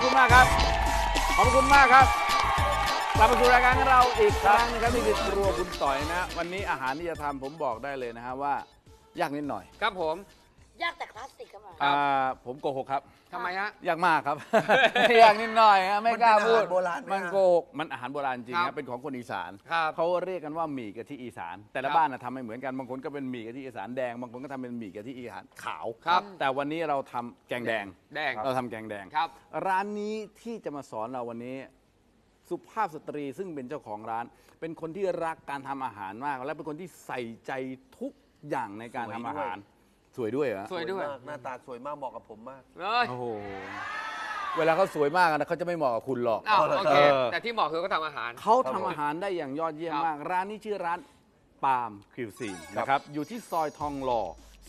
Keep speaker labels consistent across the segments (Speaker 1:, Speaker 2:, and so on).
Speaker 1: คุณมากครับขอบคุณมากครับกลับมาสู่รายการของเราอีกครั้งนะครับนี่คือครัวคุณต่อยนะวันนี้อาหารที่จะทำผมบอกได้เลยนะฮะว่ายากนิดหน่อย
Speaker 2: ครับผม
Speaker 3: ยากแต่คลาสสิกครับมา
Speaker 1: ผมโกหกครับ
Speaker 2: ทำไมฮะ
Speaker 1: ยากมากครับ ยากนิดหน่อยฮะไม่กล้าพูดมันโกหกมันอาหารโบราณจริงนะเป็นของคนอีสานเขาเรียกกันว่าหมี่กะทิอีสานแต่ละบ้านทำไม่เหมือนกันบางคนก็เป็นหมี่กะทิอีสานแดงบางคนก็ทำเป็นหมี่กะทิอีสานขาวแต่วันนี้เราทำแกงแดงเราทำแกงแดงร้านนี้ที่จะมาสอนเราวันนี้สุภาพสตรีซึ่งเป็นเจ้าของร้านเป็นคนที่รักการทำอาหารมากและเป็นคนที่ใส่ใจทุกอย่างในการทำอาหารสวยด้วยเหรอ
Speaker 2: สวยด้วย
Speaker 4: หน้าตาสวยมากเหมาะกับผมมาก
Speaker 1: โอ้โหเวลาเขาสวยมากนะเขาจะไม่เหมาะกับคุณหรอก
Speaker 2: โอเคแต่ที่เหมาะคือเขาทำอาหาร
Speaker 1: เขาทำอาหารได้อย่างยอดเยี่ยมมากร้านนี้ชื่อร้านปาล์มคิวซีนนะครับอยู่ที่ซอยทองหล่อ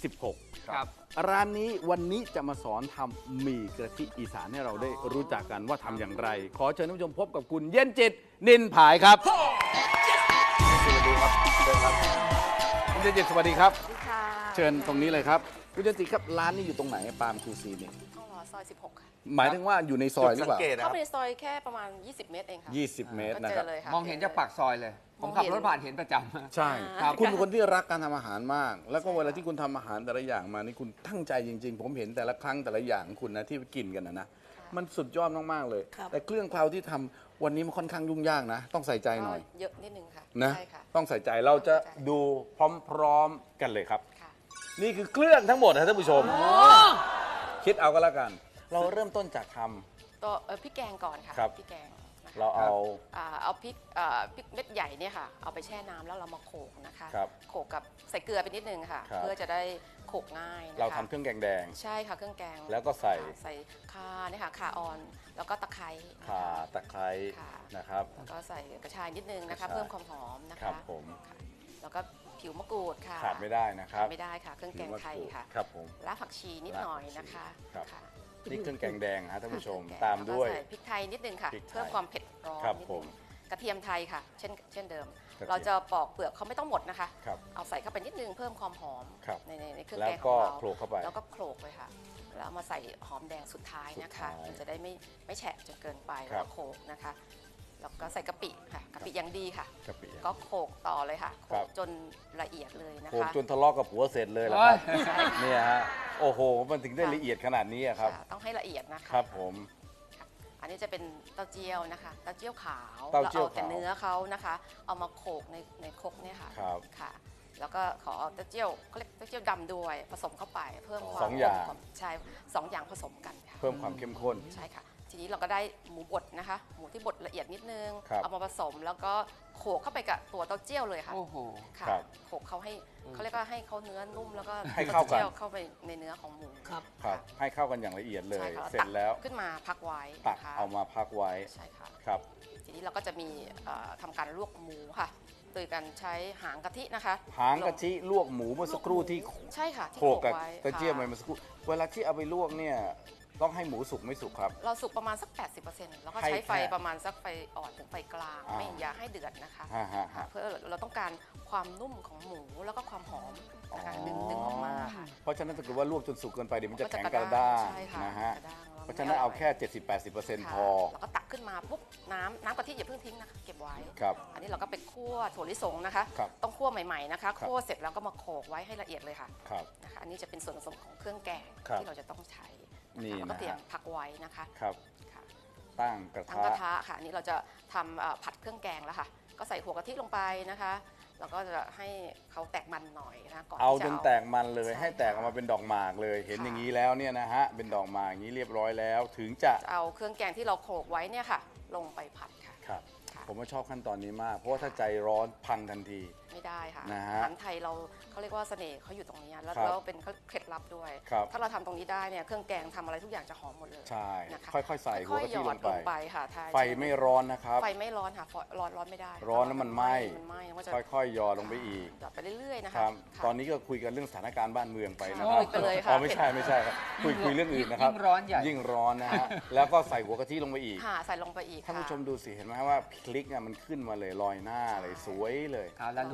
Speaker 1: 16
Speaker 2: ครับ
Speaker 1: ร้านนี้วันนี้จะมาสอนทำหมี่กะทิอีสานให้เราได้รู้จักกันว่าทำอย่างไรขอเชิญท่านผู้ชมพบกับคุณเย็นจิตนินผายครับสวัสดีครับเชิญครับคุณเย็นจิตสวัสดีครับเชิญตรงนี้เลยครับคุณเย็นจิตครับร้านนี้อยู่ตรงไหนปาล์มคิวซีนนี่
Speaker 3: ทองหล่อซอย16ค่ะ
Speaker 1: หมายถึงว่าอยู่ในซอยหรือเปล่า
Speaker 3: เข้าไปในซอยแค่ประมาณ20 เมตรเองค่ะ
Speaker 1: 20 เมตรนะครับ
Speaker 2: มองเห็นจากปากซอยเลยผมขับรถผ่านเห็นประจำ
Speaker 1: ใช่คุณเป็นคนที่รักการทำอาหารมากแล้วก็เวลาที่คุณทำอาหารแต่ละอย่างมานี่คุณตั้งใจจริงๆผมเห็นแต่ละครั้งแต่ละอย่างคุณนะที่กินกันนะมันสุดยอดมากๆเลยแต่เครื่องเคล้าที่ทำวันนี้มันค่อนข้างยุ่งยากนะต้องใส่ใจหน่อย
Speaker 3: เยอะนิดนึงค่ะ
Speaker 1: นะต้องใส่ใจเราจะดูพร้อมๆกันเลยครับนี่คือเครื่องทั้งหมดนะท่านผู้ชมคิดเอาก็แล้วกันเราเริ่มต้นจากทำ
Speaker 3: ตัวพริกแกงก่อนค่ะพริกแกง
Speaker 1: เราเอา
Speaker 3: พริกเม็ดใหญ่เนี่ยค่ะเอาไปแช่น้ำแล้วเรามาโขลกนะคะโขลกกับใส่เกลือไปนิดนึงค่ะเพื่อจะได้โขลกง่ายนะคะ
Speaker 1: เราทำเครื่องแกงแดง
Speaker 3: ใช่ค่ะเครื่องแกง
Speaker 1: แล้วก็ใส่
Speaker 3: ข่าเนี่ยค่ะข่าอ่อนแล้วก็ตะไคร้
Speaker 1: ข่าตะไคร้นะครับ
Speaker 3: แล้วก็ใส่กระชายนิดนึงนะคะเพิ่มความหอมนะคะ
Speaker 1: ครับผม
Speaker 3: แล้วก็ผิวมะกรูดค่ะ
Speaker 1: ขาดไม่ได้นะครับ
Speaker 3: ไม่ได้ค่ะเครื่องแกงไทยค่ะ
Speaker 1: ครับผม
Speaker 3: รากผักชีนิดหน่อยนะคะ
Speaker 1: นี่เครื่องแกงแดงฮะท่านผู้ชมตามด้วย
Speaker 3: พริกไทยนิดนึงค่ะเพิ่มความเผ็ดร้อนนิดนึงกระเทียมไทยค่ะเช่นเดิมเราจะปอกเปลือกเขาไม่ต้องหมดนะคะเอาใส่เข้าไปนิดนึงเพิ่มความหอมในเครื่องแกงของเราแล้วก็โขลกไปค่ะแล้วมาใส่หอมแดงสุดท้ายนะคะมันจะได้ไม่แฉะจนเกินไปแล้วโขลกนะคะแล้วก็ใส่กะปิค่ะกะปิยังดีค่ะก็โขลกต่อเลยค่ะโขลกจนละเอียดเลยนะคะโขลก
Speaker 1: จนทะเลาะกับผัวเสร็จเลยเหรอครับเนี่ยฮะโอ้โหมันถึงได้ละเอียดขนาดนี้ครับ
Speaker 3: ต้องให้ละเอียดนะคะ
Speaker 1: ครับผม
Speaker 3: อันนี้จะเป็นเต้าเจี้ยวนะคะเต้าเจี้ยวขาวเราเอาแต่เนื้อเขานะคะเอามาโขลกในครกเนี่ยค่ะค่ะแล้วก็ขอเต้าเจี้ยวเขาเรียกเต้าเจี้ยวดำด้วยผสมเข้าไปเพิ่มความใช่2 อย่างผสมกันค่ะ
Speaker 1: เพิ่มความเข้มข้น
Speaker 3: ใช่ค่ะทีนี้เราก็ได้หมูบดนะคะหมูที่บดละเอียดนิดนึงเอามาผสมแล้วก็โขลกเข้าไปกับตัวเต้าเจี้ยวเลยค่ะ
Speaker 2: โอ้โห
Speaker 3: ค่ะโขลกเขาให้เขาเรียกว่าให้เขาเนื้อนุ่มแล้วก็
Speaker 1: ให้เข้ากัน
Speaker 3: เข้าไปในเนื้อของหมู
Speaker 1: ครับให้เข้ากันอย่างละเอียดเลยเสร็จแล้ว
Speaker 3: ขึ้นมาพักไว้
Speaker 1: ตักเอามาพักไว้
Speaker 3: ใช่ค่ะ
Speaker 1: ครับ
Speaker 3: ทีนี้เราก็จะมีทำการลวกหมูค่ะโดยการใช้หางกะทินะคะ
Speaker 1: หางกะทิลวกหมูเมื่อสักครู่ที่
Speaker 3: ใช่ค่ะ
Speaker 1: โขลกกับกระเจี๊ยบเมื่อสักครู่เวลาที่เอาไปลวกเนี่ยต้องให้หมูสุกไม่สุกครับ
Speaker 3: เราสุกประมาณสัก 80% แล้วก็ใช้ไฟประมาณสักไฟอ่อนถึงไฟกลางไม่อย่าให้เดือดนะคะเพื่อเราต้องการความนุ่มของหมูแล้วก็ความหอมนะคะดึงออกมาค่ะ
Speaker 1: เพราะฉะนั้นถ้าเกิดว่าลวกจนสุกเกินไปเดี๋ยวมันจะแข็งกระด้างนะฮะเพราะฉะนั้นเอาแค่ 70-80% พอ
Speaker 3: แล้วก็ตักขึ้นมาปุ๊บน้ำกะทิอย่าเพิ่งทิ้งนะคะเก็บไว้
Speaker 1: ครับ
Speaker 3: อันนี้เราก็ไปคั่วถั่วลิสงนะคะต้องคั่วใหม่ๆนะคะคั่วเสร็จแล้วก็มาโขลกไว้ให้ละเอียดเลยค่ะนะคะอันนี้จะเป็นส่วนผสมของเครื่องแกงที่เราจะต้องใช้แล้วก็เตรียมพักไว้นะคะ
Speaker 1: ครับตั้งกระ
Speaker 3: ทะค่ะนี่เราจะทำผัดเครื่องแกงแล้วค่ะก็ใส่หัวกะทิลงไปนะคะแล้วก็จะให้เขาแตกมันหน่อยนะก่อน
Speaker 1: เอาจนแตกมันเลยให้แตกออกมาเป็นดอกหมากเลยเห็นอย่างนี้แล้วเนี่ยนะฮะเป็นดอกหมากอย่างนี้เรียบร้อยแล้วถึงจะ
Speaker 3: เอาเครื่องแกงที่เราโขลกไว้เนี่ยค่ะลงไปผัดค่ะ
Speaker 1: ครับผมว่าชอบขั้นตอนนี้มากเพราะว่าถ้าใจร้อนพังทันที
Speaker 3: ไม่ได้ค่ะอาหารไทยเราเขาเรียกว่าเสน่ห์เขาอยู่ตรงนี้แล้วเป็นเคล็ดลับด้วยถ้าเราทำตรงนี้ได้เนี่ยเครื่องแกงทำอะไรทุกอย่างจะหอมหมดเลย
Speaker 1: ใช่ค่อยๆใส่หัวกะทิลงไป
Speaker 3: ค่ะ
Speaker 1: ไฟไม่ร้อนนะครับ
Speaker 3: ไฟไม่ร้อนค่ะร้อนไม่ได้
Speaker 1: ร้อนแล้วมันไหม้ค่อยๆหยอดลงไปอีก
Speaker 3: หยอดไปเรื่อยๆนะคะ
Speaker 1: ตอนนี้ก็คุยกันเรื่องสถานการณ์บ้านเมืองไปนะค
Speaker 3: รับ
Speaker 1: ไปเลยค่ะไม่ใช่ครับคุยเรื่องอื่นนะครับยิ่งร้อนนะฮะแล้วก็ใส่หัวกะทิลงไปอีก
Speaker 3: ใส่ลงไปอีก
Speaker 1: ท่านผู้ชมดูสิเห็นไหมว่าพริกเนี่ยมันขึ้นมาเลยลอยหน้าเลยสวยเลย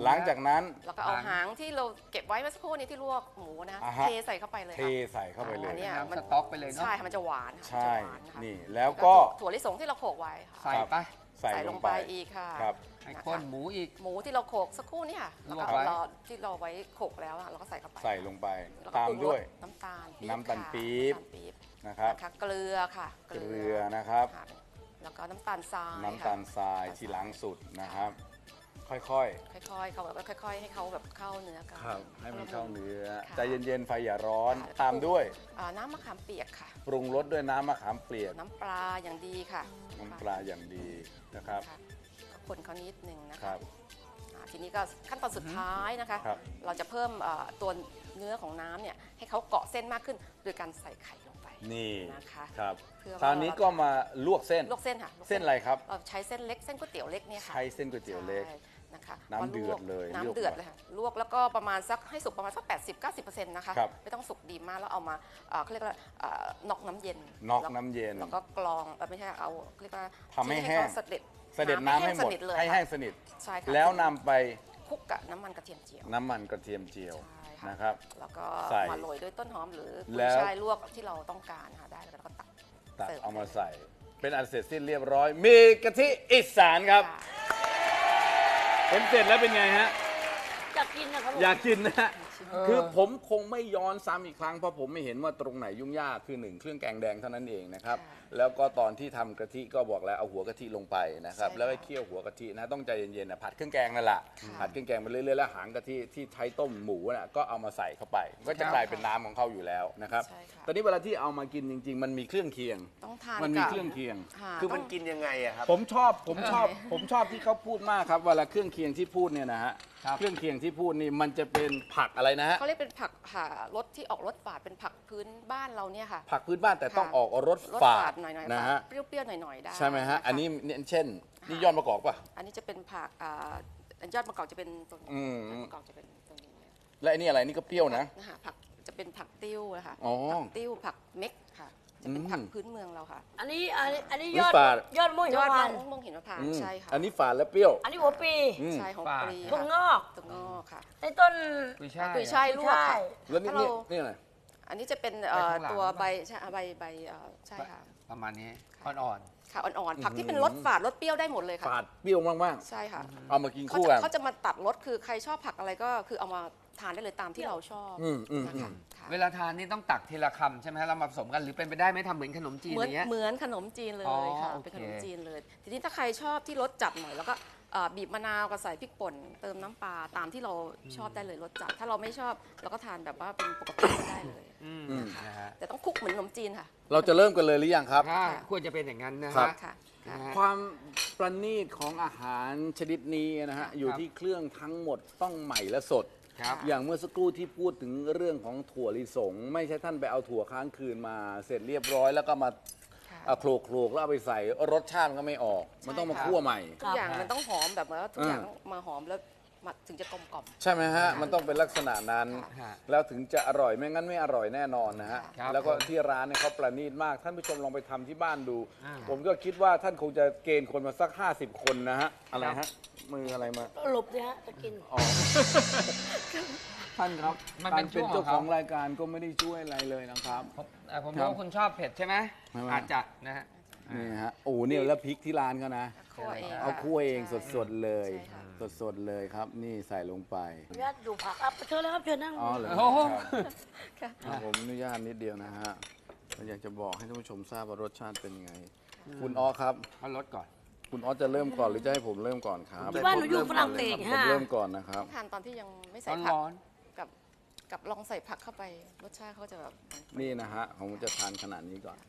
Speaker 1: หลังจากนั้น
Speaker 3: แล้วก็เอาหางที่เราเก็บไว้เมื่อสักครู่นี้ที่ลวกหมูนะ
Speaker 1: อ่าฮะ
Speaker 3: เทใส่เข้าไปเลย
Speaker 1: เท
Speaker 3: ค่ะ
Speaker 1: ใส่เข้าไปเลย
Speaker 3: อันเนี้ย
Speaker 2: สต๊อกไปเลยเนาะ
Speaker 3: ใช่ค่ะมันจะหวานค่ะ
Speaker 1: ใช่
Speaker 3: มันจะหวานค่ะ
Speaker 1: นี่แล้วก็
Speaker 3: ถั่วลิสงที่เราโขลกไว้ค่ะ
Speaker 2: ใส่ไป
Speaker 1: ใส่
Speaker 3: ใส่
Speaker 1: ล
Speaker 3: ล
Speaker 1: ง
Speaker 3: ง
Speaker 1: ไป
Speaker 3: ไปอีกค่ะ
Speaker 1: ครับ
Speaker 2: ให้ข้นหมูอีก
Speaker 3: หมูที่เราโขลกสักครู่นี่ค่ะ
Speaker 2: ล
Speaker 3: แล้ว
Speaker 2: วก
Speaker 3: ก็
Speaker 2: ไว้
Speaker 3: เราที่เราไว้โขลกแล้วอะเราก็ใส่เข้าไป
Speaker 1: ใส่ลงไป
Speaker 3: แล้วก็
Speaker 1: ตาม
Speaker 3: ปรุงรส
Speaker 1: ด้วย
Speaker 3: น้ำตาลปี๊บ
Speaker 1: น้ำตาล
Speaker 3: ค่ะ
Speaker 1: ปี๊บ
Speaker 3: น้ำตาลปี๊บ
Speaker 1: นะครับ
Speaker 3: นะคะเกลือค่ะ
Speaker 1: เกลือนะครับ
Speaker 3: ค่ะแล้วก็น้ำตาลทราย
Speaker 1: น้ำตาลทรายที่หลังสุดนะครับ ค่อย
Speaker 3: ค่อยๆเขาแบบค่อยๆให้เขาแบบเข้าเนื้อกัน
Speaker 1: ๆครับให้มันเข้าเนื้อ
Speaker 3: ค่ะ
Speaker 1: ใจเย็นๆไฟอย่าร้อน
Speaker 3: ค่ะ
Speaker 1: ตามด้วย
Speaker 3: น้ำมะขามเปียกค่ะ
Speaker 1: ปรุงรสด้วยน้ำมะขามเปียก
Speaker 3: น้ำปลาอย่างดีค่ะ
Speaker 1: น้ำปลาอย่างดีนะครับ
Speaker 3: ค่ะก็คนเขานิดนึงนะ
Speaker 1: ครั
Speaker 3: คะ
Speaker 1: บ
Speaker 3: ทีนี้ก็ขั้นตอนสุดท้ายนะคะ
Speaker 1: ครับ
Speaker 3: เราจะเพิ่มตัวเนื้อของน้ำเนี่ยให้เขาเกาะเส้นมากขึ้นโดยการใส่ไข่ลงไป
Speaker 1: นี่
Speaker 3: นะคะ
Speaker 1: ครับ
Speaker 3: เพื่อว่า
Speaker 1: คราวนี้ก็มาลวกเส้น
Speaker 3: ลวกเส้นค่ะลวก
Speaker 1: เส้นอะไรครับ
Speaker 3: เราใช้เส้นเล็กเส้นก๋วยเตี๋ยวเล็กเนี่ยค่ะ
Speaker 1: ใช้เส้นก๋วยเตี๋ยวเล็ก
Speaker 3: ใช่นะคะ
Speaker 1: น้ำเดือดเลย
Speaker 3: น้ำเดือดเลยค่ะลวกแล้วก็ประมาณสักให้สุกประมาณสัก80-90%นะคะ
Speaker 1: ครับ
Speaker 3: ไม่ต้องสุกดีมากแล้วเอามาเขาเรียกว่าน็อกน้ำเย็น
Speaker 1: น็อกน้ำเย็น
Speaker 3: แล้วก็กรองไม่ใช่เอาเรียกว่า
Speaker 1: ทำให้แห้ง
Speaker 3: เขาเสด็จ
Speaker 1: เสด็จน้ำให้หมด
Speaker 3: สนิทเลย
Speaker 1: ให้แห้งสนิท
Speaker 3: ใช่ค่ะ
Speaker 1: แล้วนำไป
Speaker 3: คลุกกับน้ำมันกระเทียมเจียว
Speaker 1: น้ำมันกระเทียมเจียว
Speaker 3: ใช่ค่ะ
Speaker 1: นะครับ
Speaker 3: แล้วก็
Speaker 1: ใส่
Speaker 3: มาโรยด้วยต้นหอมหรือกุ
Speaker 1: แล้
Speaker 3: ยว ช่ายลวกที่เราต้องการนะคะได้แล้วก็ตัก
Speaker 1: ตัก
Speaker 3: เสิร์ฟ
Speaker 1: เอามาใส่ เป็นอันเสร็จสิ้นเรียบร้อย มีกะทิอีสานครับ
Speaker 3: ค่ะ
Speaker 1: เห็นเสร็จแล้วเป็นไงฮะ
Speaker 5: อยากกินนะครับผม
Speaker 1: อยากกินนะฮะ
Speaker 2: เออ
Speaker 1: คือผมคงไม่ย้อนซ้ำอีกครั้งเพราะผมไม่เห็นว่าตรงไหนยุ่งยากคือหนึ่งเครื่องแกงแดงเท่านั้นเองนะครับ แล้วก็ตอนที่ทำกะทิก็บอกแล้วเอาหัวกะทิลงไปนะครับ แล้วก็เคี่ยวหัวกะทินะต้องใจเย็นๆนะผัดเครื่องแกงนั่นแหละผัดเครื่องแกงไปเรื่อยๆแล้วหางกะทิที่ใช้ต้มหมูน่ะก็เอามาใส่เข้าไป ก็จะกลายเป็นน้ำของเขาอยู่แล้วนะครับ
Speaker 3: ใช่ค่ะ
Speaker 1: ตอนนี้เวลาที่เอามากินจริง ๆ มันมีเครื่องเคียง
Speaker 3: ต้องทาน
Speaker 1: มันมี
Speaker 3: กับ
Speaker 1: เครื่องเคียง
Speaker 3: ค่ะ
Speaker 4: คือมัน
Speaker 3: ต้ง
Speaker 4: กินยังไงอะครับ
Speaker 1: ผมชอบที่เขาพูดมากครับเวลาเครื่องเคียงที่พูดเนี่ยนะฮะ
Speaker 2: ครับ
Speaker 1: เครื่องเคียงที่พูดนี่มันจะเป็นผักอะไรนะฮะ
Speaker 3: เขาเรียกเป็นผักรสที่ออกรสฝาดเป็นผักพื้นบ้านเราเนี่ยค่ะ
Speaker 1: ผักพื้นบ้านแต่ต้อง
Speaker 3: ค่ะ
Speaker 1: ออกรส
Speaker 3: รส
Speaker 1: ฝา
Speaker 3: ฝา
Speaker 1: ด
Speaker 3: ดหน่อยๆ
Speaker 1: นะ
Speaker 3: ฝา
Speaker 1: ฮะ
Speaker 3: ดเปรี้ยวๆหน่อยๆได้
Speaker 1: ใช่ไหมฮะ
Speaker 3: ค
Speaker 1: อันนี้เนี่ยเช่นนี่ยอดมะกอกป่ะ
Speaker 3: อันนี้จะเป็นผักยอดมะกอกจะเป็นตรงนี้
Speaker 1: อืม
Speaker 3: ยอดมะกอกจะเป็นตรงนี้
Speaker 1: และอันนี้อะไรนี่ก็เปรี้ยวนะ
Speaker 3: นะคะผักจะเป็นผักติ้วนะคะ
Speaker 1: อ๋อ
Speaker 3: ผักติ้วผักเม็กค่ะจะเป็น
Speaker 1: อืม
Speaker 3: ผักพื้นเมืองเราค่ะ
Speaker 5: อันนี้
Speaker 1: อุ๊ย
Speaker 5: ยอด
Speaker 1: ฝาด
Speaker 5: ยอดมะ
Speaker 3: ยอด
Speaker 5: ม่วง
Speaker 3: มะม่วงหินมะพร้าว
Speaker 1: อืม
Speaker 3: ใช่ค่ะ
Speaker 1: อันนี้ฝาดและเปรี้ยว
Speaker 5: อันนี้หัวปี
Speaker 1: อืม
Speaker 3: ใช่ของ
Speaker 2: ฝาด
Speaker 3: ปรี
Speaker 5: ถั่ว
Speaker 3: ค่ะ
Speaker 5: งอก
Speaker 3: ถั่วงอกค่ะ
Speaker 5: ในต้น
Speaker 2: กุยช่าย
Speaker 3: กุยช่ายลวก
Speaker 5: ใช่
Speaker 3: ค่ะ
Speaker 1: แล้วนี่
Speaker 3: ถ้าเรา
Speaker 1: นี่อะไร
Speaker 3: อันนี้จะเป็น
Speaker 2: ใบข้างหลัง
Speaker 3: ตัวใบใช่ใบใช่ค่ะ
Speaker 2: ประมาณนี้
Speaker 3: ค่ะ
Speaker 2: อ่อน
Speaker 3: ค่ะอ่อนๆผักที่เป็นรสฝาดรสเปรี้ยวได้หมดเลยค่ะ
Speaker 1: ฝาดเปรี้ยวมาก
Speaker 3: ใช่ค่ะ
Speaker 1: ๆเอามากิน
Speaker 3: เขา
Speaker 1: คู่
Speaker 3: จะ
Speaker 1: กัน
Speaker 3: เขาจะมาตัดรสคือใครชอบผักอะไรก็คือเอามาทานได้เลยตามที่เราชอบ
Speaker 1: อืม
Speaker 3: นะคะค่ะ
Speaker 2: ๆ เวลาทานนี่ต้องตักทีละคำใช่ไหมฮะเรามาผสมกันหรือเป็นไปได้ไหมทำเหมือนขนมจีน
Speaker 3: เหมื
Speaker 2: อ
Speaker 3: อน
Speaker 2: ย่างเงี้ย
Speaker 3: เหมือนขนมจีนเลย
Speaker 2: อ๋อ
Speaker 3: ค่ะ
Speaker 2: โอเค
Speaker 3: เป็นขนมจีนเลย ทีนี้ถ้าใครชอบที่รสจัดหน่อยแล้วก็บีบมะนาวกับใส่พริกป่นเติมน้ำปลาตามที่เราชอบได้เลยรสจัด ถ้าเราไม่ชอบเราก็ทานแบบว่าเป็นปกติก็ได้เลย
Speaker 2: นะฮะ
Speaker 3: แต่ต้องคลุกเหมือนขนมจีนค่ะ
Speaker 1: เราจะเริ่มกันเลยหรือยังครับ
Speaker 2: ถ้าควรจะเป็นอย่างนั้นนะ
Speaker 1: ครั
Speaker 2: ฮะ
Speaker 1: บ
Speaker 3: ค่ะค่ะ
Speaker 2: นะฮะ
Speaker 1: ความประณีตของอาหารชนิดนี้นะฮะอยู่
Speaker 2: ครับ
Speaker 1: ที่เครื่องทั้งหมดต้องใหม่และสด
Speaker 2: ครับ
Speaker 1: อย่างเมื่อสักครู่ที่พูดถึงเรื่องของถั่วลิสง ไม่ใช่ท่านไปเอาถั่วค้างคืนมาเสร็จเรียบร้อยแล้วก็มา
Speaker 3: ค่ะ
Speaker 1: โขลกๆแล้วเอาไปใส่รสชาติมันก็ไม่ออก มันต้องมา
Speaker 3: ใช่ค่ะ
Speaker 1: คั่วใหม่
Speaker 3: ทุกอย่างมันต้องหอมแบบว่าทุกอย่าง
Speaker 1: อืม
Speaker 3: ต้องมาหอมแล้วมาถึงจะกลมกล่อม
Speaker 1: ใช่ไหมฮะ มันต้องเป็นลักษณะนั้น
Speaker 2: ค่ะ
Speaker 1: แล้วถึงจะอร่อยไม่งั้นไม่อร่อยแน่นอนนะฮะ
Speaker 2: ครับ
Speaker 1: แล้วก็ที่ร้านเนี่ยเขาประณีตมาก ท่านผู้ชมลองไปทำที่บ้านดู
Speaker 2: อ่า
Speaker 1: ผมก็คิดว่าท่านคงจะเกณฑ์คนมาสัก 50 คนนะฮะ อะไรฮะ มืออะไรมา
Speaker 5: หลบสิฮะจะกิน
Speaker 1: อ๋อ ท่านครับ
Speaker 2: มัน
Speaker 1: กา
Speaker 2: เป็
Speaker 1: ร
Speaker 2: น
Speaker 1: เป็น
Speaker 2: ช่วง
Speaker 1: เจ้า
Speaker 2: ข
Speaker 1: ข
Speaker 2: อ
Speaker 1: อง งรายการก็ไม่ได้ช่วยอะไรเลยนะครับ
Speaker 2: ผม
Speaker 1: ครั
Speaker 2: รู้
Speaker 1: บ
Speaker 2: ว่าคุณชอบเผ็ดใช่ไหม
Speaker 1: ไม่ไม่
Speaker 2: อาจจะนะฮะ
Speaker 1: นี่ฮะ โอ้โหเนี่ยแล้วพริกที่ร้านเขานะ
Speaker 3: คั่วเอง
Speaker 1: เอาคั่วเอง
Speaker 3: ใช่
Speaker 1: สดๆเลย
Speaker 3: ใช่ค่ะ
Speaker 1: สดๆเลยครับ นี่ใส่ลงไป
Speaker 5: ญาติดูผักอ่ะเชิญเลยครับเชิญนั่ง
Speaker 1: อ๋อเหรอ
Speaker 2: โอ้โห
Speaker 1: ครับผมอนุญาตนิดเดียวนะฮะผมอยากจะบอกให้ท่านผู้ชมทราบว่ารสชาติเป็นไง คุณอ้อครับ
Speaker 2: เอาลดก่อน
Speaker 1: คุณอ้อจะเริ่มก่อนหรือจะให้ผมเริ่มก่อนครับ
Speaker 5: ที่บ้านหนูอยู่ฝรั่งเศส
Speaker 1: ผม
Speaker 5: ฮะ
Speaker 1: เริ่มก่อนนะครับ
Speaker 3: ทานตอนที่ยังไม่ใส่ผัก
Speaker 2: ร้อน
Speaker 3: กับลองใส่ผักเข้าไปรสชาติเขาจะแบบ
Speaker 1: นี่นะฮะผมจะทานขนาดนี้ก่อน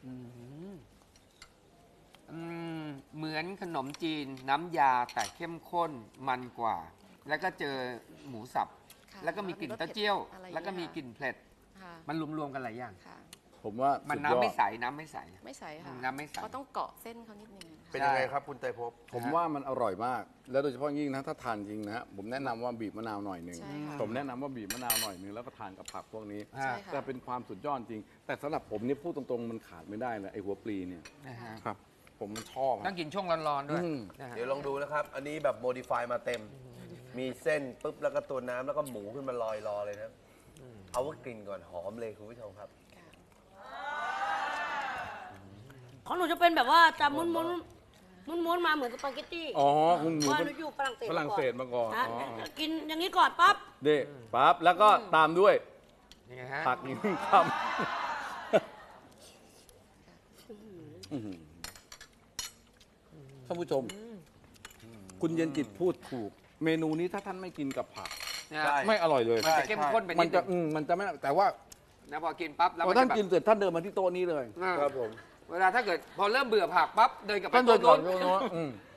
Speaker 2: เหมือนขนมจีนน้ำยาแต่เข้มข้นมันกว่า แล้วก็เจอหมูสับ
Speaker 3: ค่ะ
Speaker 2: แล้วก็มีกลิ่นเต้าเจี้ยว
Speaker 3: อะไรอย่างเงี้ย
Speaker 2: แล้วก็มีกลิ่นเผ็ด
Speaker 3: ค่ะ
Speaker 2: มันรวมๆกันหลายอย่าง
Speaker 3: ค่ะ
Speaker 1: ผมว่า
Speaker 2: มัน
Speaker 1: สุดย
Speaker 2: น้ำ
Speaker 1: อ
Speaker 2: ไม่
Speaker 1: ด
Speaker 2: ใสน้ำไม่ใส
Speaker 3: ไม่ใส่ค่ะ
Speaker 2: น้ำไม่ใส่
Speaker 3: เขาต้องเกาะเส้นเขานิดนึง
Speaker 4: เป็น
Speaker 3: ค่ะ
Speaker 4: ยังไงครับคุณไตรภพ
Speaker 1: ผมว่ามันอร่อยมาก แล้วโดยเฉพาะยิ่งนะถ้าทานจริงนะฮะผมแนะนำว่าบีบมะนาวหน่อยหนึ่ง
Speaker 3: ใช่ค่ะ
Speaker 1: ผมแนะนำว่าบีบมะนาวหน่อยหนึ่งแล้วก็ทานกับผักพวกนี้
Speaker 3: ใช่ค่ะ
Speaker 1: แต่เป็นความสุดยอดจริง แต่สำหรับผมนี่พูดตรงๆมันขาดไม่ได้เลยไอ้หัวปลีเนี่ย
Speaker 2: นะฮะ
Speaker 1: ครับ ผมมันชอบ
Speaker 2: ต้องกินช่วงร้อนๆด้วย
Speaker 1: อืม
Speaker 2: นะฮะ
Speaker 4: เดี๋ยวลองดูนะครับ อันนี้แบบโมดิฟายมาเต็มมีเส้นปุ๊บแล้วก็ตัวน้ำแล้วก็หมูขึ้นมาลอยรอเลยนะเอาว่ากลิ่นก่อนหอมเลยคุณผู้ชมครับ
Speaker 5: ของหนูจะเป็นแบบว่าจะม้วนมาเหมือนสปาเกตตี้
Speaker 1: อ๋อคุณหมู
Speaker 5: ว่าหนูอยู่ฝรั่งเศส
Speaker 1: ฝรั่งเศสมาก่อน
Speaker 5: นะ
Speaker 1: อ๋อ
Speaker 5: กินอย่างนี้ก่อนปั๊บ
Speaker 1: เด็ปั๊บแล้วก็ตามด้วย
Speaker 2: ยังไงฮะ
Speaker 1: ผักอีก1 คำท่านผู้ชม คุณเย็นจิตพูดถูก เมนูนี้ถ้าท่านไม่กินกับผัก
Speaker 2: เนี่ย
Speaker 4: ใช่
Speaker 1: ไม่อร่อยเลย
Speaker 2: มันจะเข้มข้นไป
Speaker 1: มั
Speaker 2: นิ
Speaker 1: น
Speaker 2: ด
Speaker 1: จะ
Speaker 2: นึง
Speaker 1: มันจะไม่แต่ว่า
Speaker 2: นะพอกินปั๊บแล้ว
Speaker 1: พอ
Speaker 2: มัน
Speaker 1: ท่าน
Speaker 2: จะแบบ
Speaker 1: กินเสร็จท่านเดินมาที่โต๊ะนี้เลย
Speaker 4: ครับผม
Speaker 2: เวลาถ้าเกิดพอเริ่มเบื่อผักปั๊บเดินกลับไป
Speaker 1: ท่านเดินก่อน
Speaker 2: โต๊ะ
Speaker 1: โน้ต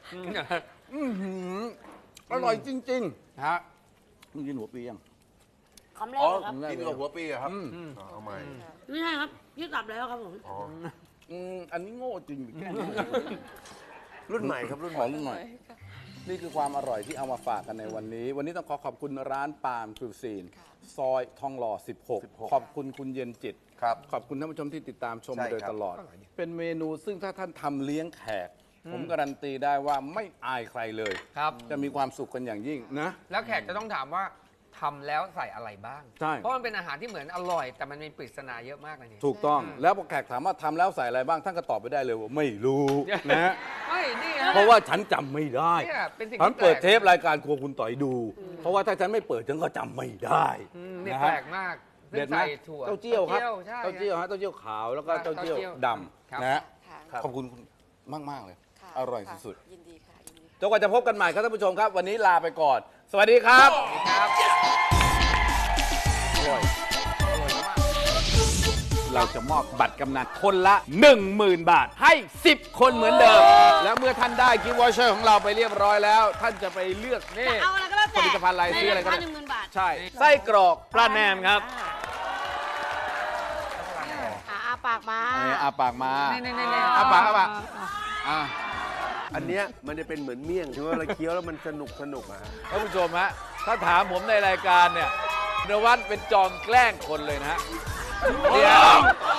Speaker 1: อร่อยจริง
Speaker 2: ฮะ
Speaker 1: ๆมึงกินหัวปียัง
Speaker 5: คำแรก
Speaker 4: อ๋อ
Speaker 5: เลยครับ
Speaker 4: กินกับหัวปีเหรอครับเอาใหม่
Speaker 5: ไม่ใช่ครับยืดตับแล้วครับผม
Speaker 4: อ๋อ
Speaker 1: อันนี้โง่จริงแค่นี้
Speaker 4: รุ่นใหม่ครับรุ่น
Speaker 1: ข
Speaker 4: ให
Speaker 1: อ
Speaker 4: ม่
Speaker 1: รุ่นหน่อย นี่คือความอร่อยที่เอามาฝากกันในวันนี้ วันนี้ต้องขอบคุณร้านปาล์มคิวซีน ซอยทองหล่อ 16 ขอบคุณคุณเย็นจิต
Speaker 4: ครับ
Speaker 1: ขอบคุณท่านผู้ชมที่ติดตามชม
Speaker 4: ใช่
Speaker 1: มาโดย
Speaker 4: ครับ
Speaker 1: ตลอด เป็นเมนูซึ่งถ้าท่านทำเลี้ยงแขก ผมการันตีได้ว่าไม่อายใครเลย
Speaker 2: ครับ
Speaker 1: จะมีความสุขกันอย่างยิ่งนะ
Speaker 2: แล้วแขกจะต้องถามว่าทำแล้วใส่อะไรบ้าง
Speaker 1: ใช่
Speaker 2: เพราะมันเป็นอาหารที่เหมือนอร่อย แต่มันมีปริศนาเยอะมากเลยนี่
Speaker 1: ถูกต้อง แล้วพอแขกถามว่าทำแล้วใส่อะไรบ้าง ท่านก็ตอบไปได้เลยว่าไม่รู้นะ
Speaker 2: ไม่นี่ฮะ
Speaker 1: เพราะว่าฉันจำไม่ได้
Speaker 2: เนี่ยเป็นสิ่ง
Speaker 1: ฉัน
Speaker 2: ที่
Speaker 1: เปิด
Speaker 2: แปลก
Speaker 1: เทปรายการครัวคุณต่อยดู เพราะว่าถ้าฉันไม่เปิดฉันก็จำไม่ได้
Speaker 2: เนี่ย
Speaker 1: นะ
Speaker 2: แป
Speaker 1: ฮะ
Speaker 2: ลกมาก
Speaker 1: เด็ดไหม
Speaker 2: ใส่ถั่ว
Speaker 1: เต้าเจี้ยวครับ
Speaker 2: ใช่
Speaker 1: เต้าเจี้ยวฮะเต้าเจี้ยวขาวแล้วก็เต้าเจี้ยวดำนะฮะ
Speaker 3: ค่ะ
Speaker 1: ขอบคุณมากๆเลย
Speaker 3: ค่ะ
Speaker 1: อร่อย
Speaker 3: ค่ะ
Speaker 1: สุด
Speaker 3: ยินดีค่ะยินดี
Speaker 1: ๆจนกว่าจะพบกันใหม่ครับท่านผู้ชมครับ วันนี้ลาไปก่อน สวัสดีครับ
Speaker 2: ครับ
Speaker 1: เราจะมอบบัตรกำนันคนละ 10,000 บาทให้ 10 คนเหมือนเดิม แล้วเมื่อท่านได้กิฟต์วอเชอร์ของเราไปเรียบร้อยแล้ว ท่านจะไปเลือกนี่
Speaker 5: เอาอะไรก็แล้วแต่
Speaker 1: ผลิตภัณฑ์อะไรซื้ออะไรก็ได้
Speaker 5: ในาคา10,000 บาท
Speaker 1: ใช่ ไส้กรอกปลาแหนมครับ
Speaker 5: อาปากมา
Speaker 1: อาปากมา
Speaker 2: นี่
Speaker 1: อาปากอาปากอ่ะ
Speaker 4: อันเนี้ยมันจะเป็นเหมือนเมี่ยงที่ว่าเราเคี้ยวแล้วมันสนุกอะฮะ
Speaker 1: ท่านผู้ชมฮะถ้าถามผมในรายการเนี่ยนวัดเป็นจอมแกล้งคนเลยนะฮะเดี๋ยว